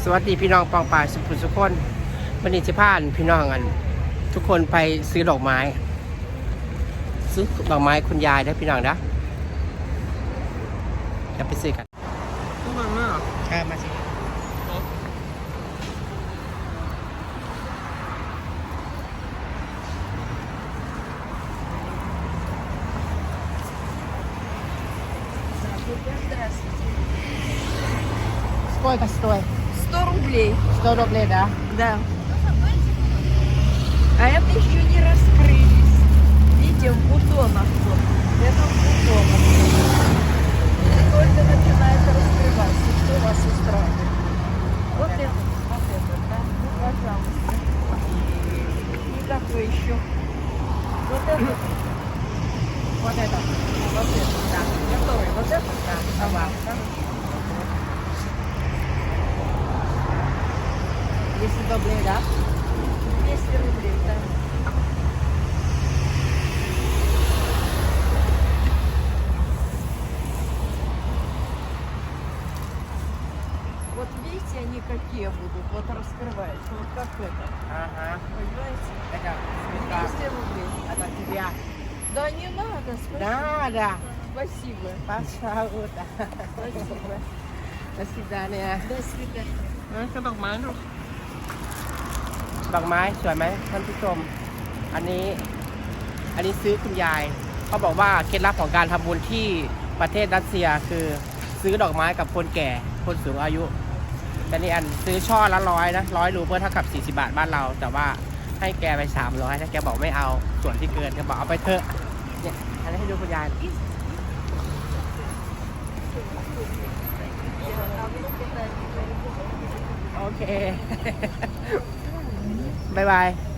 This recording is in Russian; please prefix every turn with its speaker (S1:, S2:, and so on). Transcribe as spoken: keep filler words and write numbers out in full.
S1: สวัสดีพี่น้องปองป่ายสุขุมสุขคนวันนี้จะพาพี่น้องกันทุกคนไปซื้อดอกไม้ซื้อดอกไม้คุณยายได้พี่น้องนะจะไปซื้อกัน
S2: ทุกคนมาก
S1: ใช่มาสิСколько стоит?
S2: Сто рублей.
S1: Сто рублей, да?
S2: Да. А это еще не раскрылись. Видите, в бутонах вот. Это в бутонах. Только начинает раскрываться. Что вас устраивает? Вот это. Вот это, да? Ну, пожалуйста. И какой еще? Вот это.
S1: Вот это.
S2: Вот это, да. Готовый. Вот это, да. А вам, да?
S1: двести рублей, да?
S2: двести рублей, да. Вот видите, они какие будут, вот раскрываются, вот как это.
S1: Ага.
S2: Понимаете?
S1: Это
S2: двести рублей.
S1: Это тебя.
S2: Да не надо, спасибо.
S1: Да, да.
S2: Спасибо.
S1: Пожалуйста.
S2: Спасибо.
S1: До свидания.
S2: До свидания.
S1: ก็ดอกไม้ลูกดอกไม้สวยไหมท่านผู้ชมอันนี้อันนี้ซื้อคุณยายเขาบอกว่าเคล็ดลับของการทำบุญที่ประเทศรัสเซียคือซื้อดอกไม้กับคนแก่คนสูงอายุแต่นี่อันซื้อช่อละร้อยนะร้อยรูเพื่อเท่ากับสี่สิบบาทบ้านเราแต่ว่าให้แกไปสามร้อยถ้าแกบอกไม่เอาส่วนที่เกินแกบอกเอาไปเถอะเนี่ยอันนี้ให้ดูคุณยายโอเค บายบาย